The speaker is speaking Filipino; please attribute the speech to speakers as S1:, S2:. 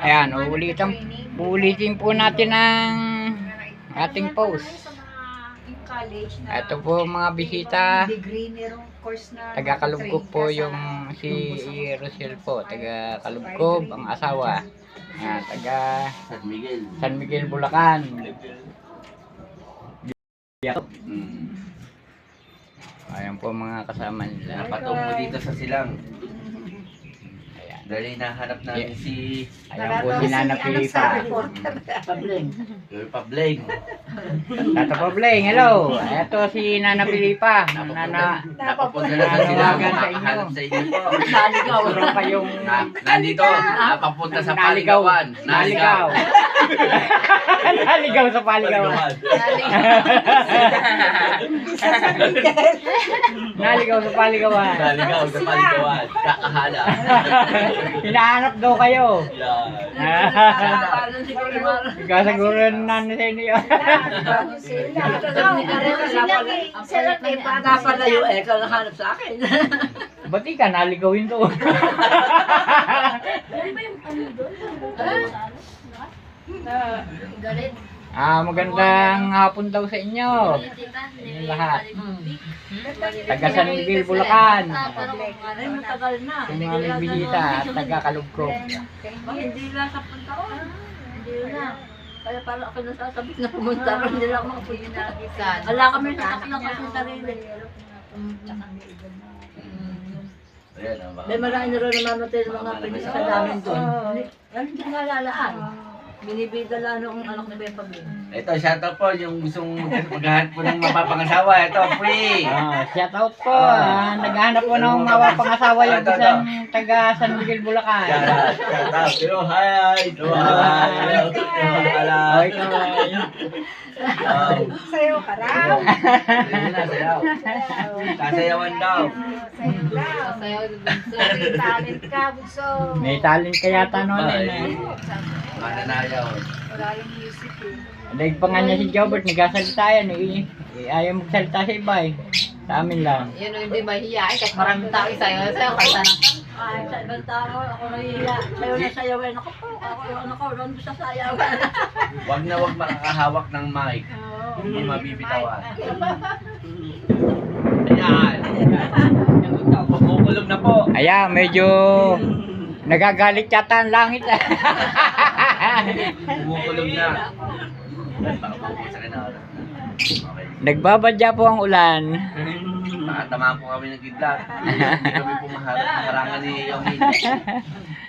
S1: Ayan, uulitin po natin ang ating post. Ito po mga bisita. Taga Kalugkob po yung si Rosel po. Taga Kalugkob ang asawa. Taga San Miguel, Bulacan. Ayan po mga kasama nila.
S2: Napatungo dito sa silang. Dahil nahanap namin si...
S1: Ayan po si Nana Pilipa.
S2: Pableng.
S1: Tata Pableng, hello. Ito si Nana Pilipa.
S2: Napapunta na sa silang. Nakahanap sa inyo po.
S1: Naligaw. Meron kayong...
S2: Nandito. Napapunta sa Paligawan.
S1: Naligaw. Naligaw sa Paligawan. Naligaw sa Paligawan.
S2: Naligaw sa Paligawan. Kakahala.
S1: Hinahanap daw kayo.
S2: Yan.
S1: Ikaw siguro nanan sa inyo.
S3: Napalayo eh, ikaw nahanap sa akin.
S1: Ba't ka naligawin to? Magandang hapon daw sa inyo. Yung lahat. Taga San Miguel, Bulacan.
S3: Ay, matagal na.
S1: Yung mga may bisita at taga Kalugkob.
S3: Hindi lang sa punta ko. Hindi na. Kaya parang ako nasasabit na pumunta ko. Hindi lang ako makapunta. Wala kami nakakita kasi sa sarili. May marami na rin namamatay ng mga pinisa namin doon. Hindi nga lalaan. Binibida lang nung anak ni Beppa B.
S2: Ito, shoutout po yung gustong maghahanap po ng mapapangasawa. Ito, free.
S1: Shout out po. Naghahanap po ng mapapangasawa yung isang taga San Miguel, Bulacan.
S2: Shoutout. Hello, hi. Hello, hi.
S1: Okay,
S4: Sayo ka raw.
S2: Sayaw. Sasayawan daw.
S4: Sayo daw. Talent ka, Bunso.
S1: may talent ka yata noon eh.
S2: Mananayaw.
S4: Wala yung music eh.
S1: Daig pa nga niya si Jobert, nagsasalita yan eh. Ayaw magsalita sa iba eh. Sa amin lang.
S4: Yun o, hindi mahihiyain kahit maraming tao sayo. Sayo ka sana.
S3: Ay, sa ibang tao, ako nahihiya. Sayo na sayawin. Ako po, ako ron sa sayawan.
S2: Wag na wag makakahawak ng mic. Hindi mabibitawan. Ayan. Pagkukulog na po.
S1: Ayan, medyo nagagalit yata ang langit.
S2: Pagkukulog na. Sa kanara. Okay.
S1: Nagbabadya po ang ulan.
S2: Nakatamaan po kami ng kidlat. Hindi kami pumaharangan ni Yomin.